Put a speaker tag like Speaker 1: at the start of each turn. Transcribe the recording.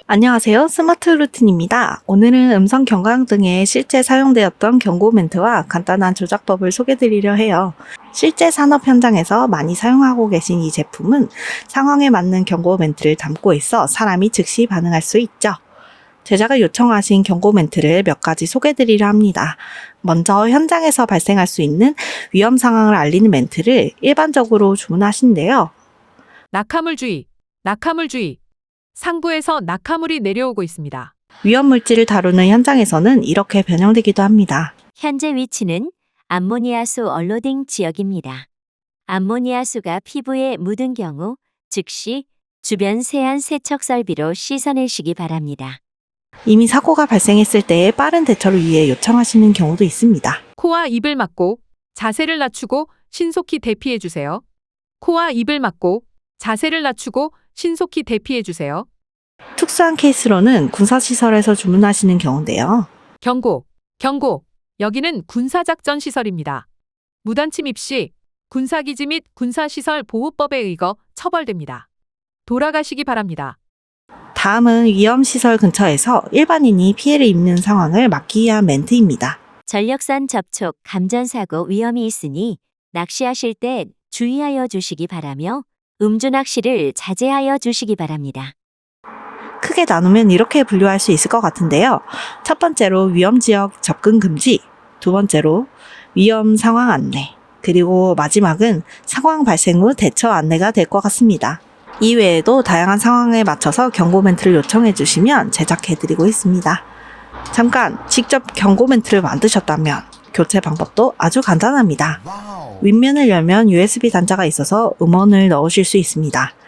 Speaker 1: 안녕하세요. 스마트 루틴입니다. 오늘은 음성 경강 등에 실제 사용되었던 경고 멘트와 간단한 조작법을 소개드리려 해요. 실제 산업 현장에서 많이 사용하고 계신 이 제품은 상황에 맞는 경고 멘트를 담고 있어 사람이 즉시 반응할 수 있죠. 제자가 요청하신 경고 멘트를 몇 가지 소개드리려 합니다. 먼저 현장에서 발생할 수 있는 위험 상황을 알리는 멘트를 일반적으로 주문하신대요.
Speaker 2: 낙하물 주의, 낙하물 주의. 상부에서 낙하물이 내려오고 있습니다.
Speaker 1: 위험 물질을 다루는 현장에서는 이렇게 변형되기도 합니다.
Speaker 3: 현재 위치는 암모니아수 얼로딩 지역입니다. 암모니아수가 피부에 묻은 경우 즉시 주변 세안 세척 설비로 씻어내시기 바랍니다.
Speaker 1: 이미 사고가 발생했을 때 빠른 대처를 위해 요청하시는 경우도 있습니다.
Speaker 2: 코와 입을 막고 자세를 낮추고 신속히 대피해 주세요. 코와 입을 막고 자세를 낮추고 신속히 대피해 주세요.
Speaker 1: 특수한 케이스로는 군사시설에서 주문하시는 경우인데요.
Speaker 2: 경고, 경고. 여기는 군사작전 시설입니다. 무단 침입 시 군사기지 및 군사시설 보호법에 의거 처벌됩니다. 돌아가시기 바랍니다.
Speaker 1: 다음은 위험시설 근처에서 일반인이 피해를 입는 상황을 막기 위한 멘트입니다.
Speaker 3: 전력선 접촉 감전사고 위험이 있으니 낚시하실 때 주의하여 주시기 바라며 음주 낚시를 자제하여 주시기 바랍니다.
Speaker 1: 크게 나누면 이렇게 분류할 수 있을 것 같은데요. 첫 번째로 위험지역 접근 금지, 두 번째로 위험 상황 안내, 그리고 마지막은 상황 발생 후 대처 안내가 될 것 같습니다. 이외에도 다양한 상황에 맞춰서 경고 멘트를 요청해 주시면 제작해 드리고 있습니다. 잠깐 직접 경고 멘트를 만드셨다면 교체 방법도 아주 간단합니다. 윗면을 열면 USB 단자가 있어서 음원을 넣으실 수 있습니다.